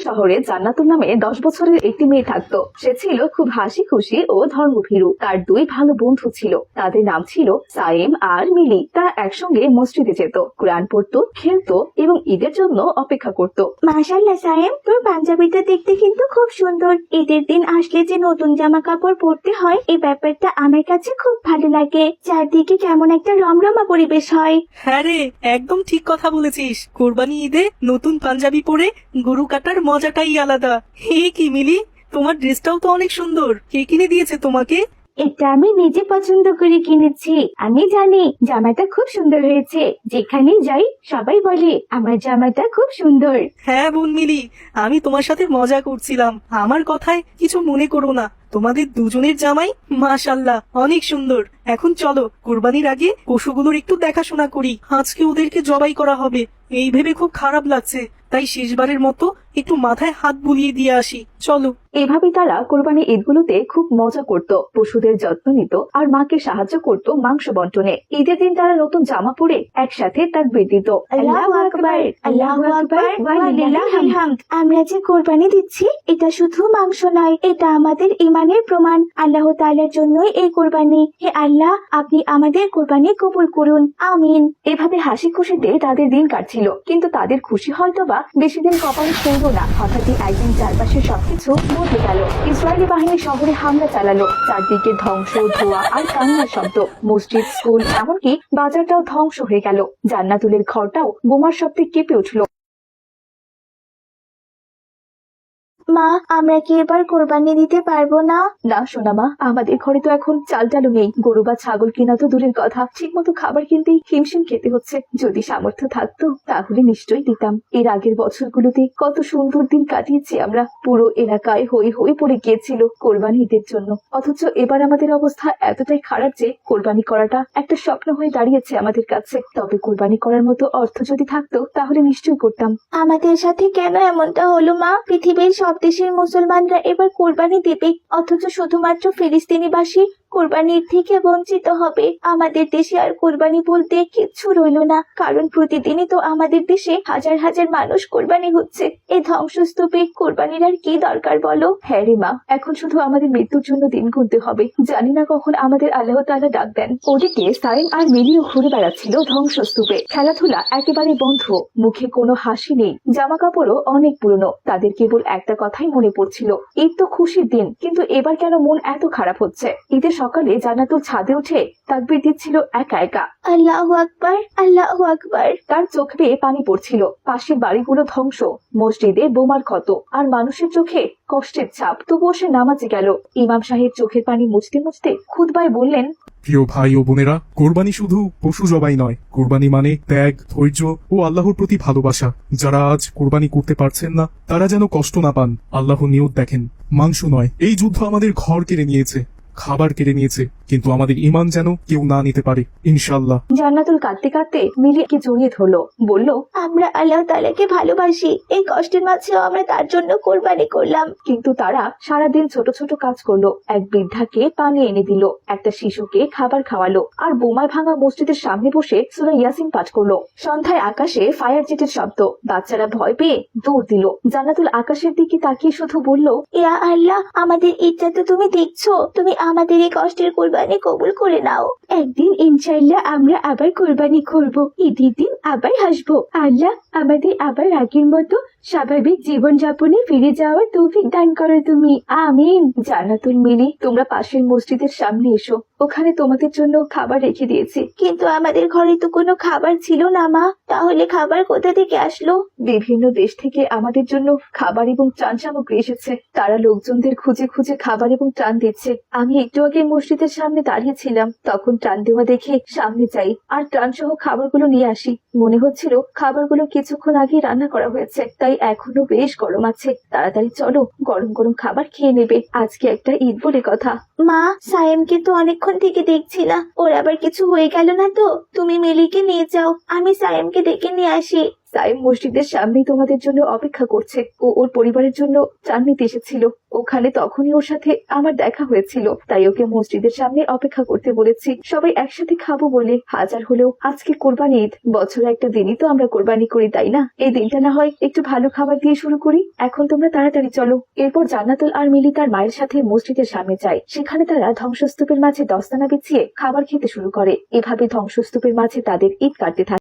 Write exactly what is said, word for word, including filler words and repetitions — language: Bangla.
শহরে জান্নাতুল নামে দশ বছরের একটি মেয়ে থাকতো। সে ছিল খুব হাসি খুশি ও ধর্মভীরু। তার দুই ভালো বন্ধু ছিল, তাদের নাম ছিল সাইম আর মিলি। তারা একসঙ্গে মসজিদে যেত, কোরআন পড়তো, খেলতো এবং ঈদের জন্য অপেক্ষা করত। মাশাআল্লাহ সাইম, তোর পাঞ্জাবিটা দেখতে কিন্তু খুব সুন্দর। ঈদের দিন আসলে যে নতুন জামা কাপড় পরতে হয়, এই ব্যাপারটা আমার কাছে খুব ভালো লাগে। চারদিকে কেমন একটা রমরমা পরিবেশ হয়। হ্যাঁ রে, একদম ঠিক কথা বলেছিস। কোরবানি ঈদে নতুন পাঞ্জাবি পরে গরু কাটার মজাটাই আলাদা। হে কি মিলি, তোমার ড্রেসটাও তো অনেক সুন্দর। কে কিনে দিয়েছে তোমাকে? এটা আমি নিজে পছন্দ করে কিনেছি। আমি জানি জামাটা খুব সুন্দর হয়েছে। যেখানে যাই সবাই বলে আমার জামাটা খুব সুন্দর। হ্যাঁ বোন মিলি, আমি তোমার সাথে মজা করছিলাম। আমার কথায় কিছু মনে করো না। তোমাদের দুজনের জামাই মাশাআল্লাহ অনেক সুন্দর। এখন চলো, কোরবানির আগে পশুগুলোর একটু দেখাশোনা করি। আজকে ওদেরকে জবাই করা হবে, এই ভেবে খুব খারাপ লাগছে। তাই শেষবারের মতো একটু মাথায় হাত বুলিয়ে দিয়ে আসি, চলো। এভাবে তারা কোরবানি ঈদগুলোতে খুব মজা করত, পশুদের যত্ন নিত আর মাকে সাহায্য করত মাংস বন্টনে। ঈদের দিন তারা নতুন জামা পরে একসাথে তাকবীর দিত। আল্লাহু আকবার, আল্লাহু আকবার, ওয়া লিল্লাহিল হামদ। আমরা যে কোরবানি দিচ্ছি এটা শুধু মাংস নয়, এটা আমাদের ঈমানের প্রমাণ। আল্লাহ তাআলার জন্যই এই কোরবানি। হে আল্লাহ, আপনি আমাদের কোরবানি কবুল করুন, আমিন। এভাবে হাসি খুশিতে তাদের দিন কাটছিল, কিন্তু তাদের খুশি হয়তোবা বেশি দিন কপালে ছিল না। হঠাৎই একদিন চারপাশে সবকিছু বদলে গেল। ইসরায়েলি বাহিনী শহরে হামলা চালালো। চারদিকে ধ্বংস, ধোঁয়া আর কান্নার শব্দ। মসজিদ, স্কুল, এমনকি বাজারটাও ধ্বংস হয়ে গেল। জান্নাতুলের ঘরটাও বোমার শব্দে কেঁপে উঠল। মা, আমরা কি এবার কোরবানি দিতে পারবো না? না সোনা মা, আমাদের ঘরে তো এখন চাল ডালও নেই। গরু বা ছাগল কিনা তো দূরের কথা, ঠিক মতো খাবার কিনতেই হিমশিম খেতে হচ্ছে। যদি সামর্থ্য থাকতো তাহলে নিশ্চয়ই দিতাম। এর আগের বছরগুলোতে কত সুন্দর দিন কাটিয়েছি আমরা। পুরো এলাকায় হই হই পড়ে গিয়েছিল কোরবানি ঈদের জন্য। অথচ এবার আমাদের অবস্থা এতটাই খারাপ যে কোরবানি করাটা একটা স্বপ্ন হয়ে দাঁড়িয়েছে আমাদের কাছে। তবে কোরবানি করার মতো অর্থ যদি থাকতো তাহলে নিশ্চয়ই করতাম। আমাদের সাথে কেন এমনটা হলো মা? পৃথিবীর সব দেশের মুসলমানরা এবার কোরবানি দেবে, অথচ শুধুমাত্র ফিলিস্তিনিবাসী কোরবানির থেকে বঞ্চিত হবে। আমাদের দেশে আর কোরবানি বলতে কিচ্ছু রইল না, কারণ প্রতিদিনই তো আমাদের দেশে হাজার হাজার মানুষ কোরবানি হচ্ছে। এই ধ্বংসস্তূপে কোরবানির আর কি দরকার বলো? হ্যাঁ রে মা, এখন শুধু আমাদের মৃত্যুর জন্য দিন গুনতে হবে। জানি না কখন আমাদের আল্লাহ তাআলা ডাক দেন। ওদিকে সাইম আর মিলিও ঘুরে বেড়াচ্ছিল ধ্বংসস্তূপে। খেলাধুলা একেবারে বন্ধ, মুখে কোনো হাসি নেই, জামা কাপড়ও অনেক পুরনো। তাদের কেবল একটা কথাই মনে পড়ছিল, ঈদ তো খুশির দিন, কিন্তু এবার কেন মন এত খারাপ হচ্ছে। ঈদের সকালে জান্নাতুল ছাদে উঠে তাকবীর দিচ্ছিল একা একা। আল্লাহু আকবার, আল্লাহু আকবার। তার চোখ বেয়ে পানি পড়ছিল। পাশের বাড়িগুলো ধ্বংস, মসজিদে বোমার ক্ষত আর মানুষের চোখে কষ্টের ছাপ। তবুও সে নামাজে গেল। ইমাম সাহেব চোখের পানি মুছতে মুছতে খুতবায় বললেন, প্রিয় ভাই ও বোনেরা, কোরবানি শুধু পশু জবাই নয়, কোরবানি মানে ত্যাগ, ধৈর্য ও আল্লাহর প্রতি ভালোবাসা। যারা আজ কোরবানি করতে পারছেন না তারা যেন কষ্ট না পান। আল্লাহ নিয়ত দেখেন, মাংস নয়। এই যুদ্ধ আমাদের ঘর কেড়ে নিয়েছে, খাবার কেড়ে নিয়েছে, কিন্তু আমাদের ঈমান যেন কেউ না নিতে পারে, ইনশাআল্লাহ। জান্নাতুল কাঁদতে কাঁদতে মিলিকে জড়িয়ে ধরলো, বলল, আমরা আল্লাহ তাআলাকে ভালোবাসি। এই কষ্টের মাঝেও আমরা তার জন্য কোরবানি করলাম। কিন্তু তারা সারাদিন ছোট ছোট কাজ করলো। এক বৃদ্ধাকে পানি এনে দিল, একটা শিশুকে খাবার খাওয়ালো, আর বোমায় ভাঙা মসজিদের সামনে বসে সূরা ইয়াসিন পাঠ করলো। সন্ধ্যায় আকাশে ফায়ার জেটের শব্দ। বাচ্চারা ভয় পেয়ে দৌড় দিল। জান্নাতুল আকাশের দিকে তাকিয়ে শুধু বলল, ইয়া আল্লাহ, আমাদের ইচ্ছা তো তুমি দেখছো, তুমি আমাদের এই কষ্টের কোরবানি কবুল করে নাও। একদিন ইনশাআল্লাহ আমরা আবার কোরবানি করব, ঈদের দিন আবার হাসবো। আল্লাহ, আমাদের আবার আগের মতো স্বাভাবিক জীবন যাপনে ফিরে যাওয়ার তৌফিক দান করো তুমি, আমিন। জান্নাতুল, মিলি, তোমরা পাশের মসজিদের সামনে এসো, ওখানে তোমাদের জন্য খাবার রেখে দিয়েছি। কিন্তু আমাদের ঘরে তো কোনো খাবার ছিল না মা, তাহলে খাবার কোথা থেকে আসলো? বিভিন্ন দেশ থেকে আমাদের জন্য খাবার এবং ত্রাণ সামগ্রী এসেছে। তারা লোকজনদের খুঁজে খুঁজে খাবার এবং ত্রাণ দিচ্ছে। আমি একটু আগে মসজিদের সামনে দাঁড়িয়েছিলাম, তখন ত্রাণ দেওয়া দেখে সামনে যাই আর ত্রাণ সহ খাবারগুলো নিয়ে আসি। মনে হচ্ছিল খাবারগুলো কিছুক্ষণ আগে রান্না করা হয়েছে, তাই এখনো বেশ গরম আছে। তাড়াতাড়ি চলো, গরম গরম খাবার খেয়ে নেবে। আজকে একটা ঈদ বলে কথা। মা, সায়েমকে তো অনেকক্ষণ থেকে দেখছি না, ওর আবার কিছু হয়ে গেল না তো? তুমি মিলিকে নিয়ে যাও, আমি সায়েমকে ডেকে নিয়ে আসি। সাইম মসজিদের সামনেই তোমাদের জন্য অপেক্ষা করছে। ও ওর পরিবারের জন্য চান নিতে এসেছিল। ওখানে তখনই ওর সাথে আমার দেখা হয়েছিল, তাই ওকে মসজিদের সামনে অপেক্ষা করতে বলেছি, সবাই একসাথে খাবো বলে। হাজার হলেও আজকে কোরবানি ঈদ, বছরে একটা দিনই তো আমরা কোরবানি করি, তাই না? এই দিনটা না হয় একটু ভালো খাবার দিয়ে শুরু করি। এখন তোমরা তাড়াতাড়ি চলো। এরপর জান্নাতুল আর মিলি তার মায়ের সাথে মসজিদের সামনে যায়। সেখানে তারা ধ্বংসস্তূপের মাঝে দস্তানা বিছিয়ে খাবার খেতে শুরু করে। এভাবে ধ্বংসস্তূপের মাঝে তাদের ঈদ কাটতে থাকে।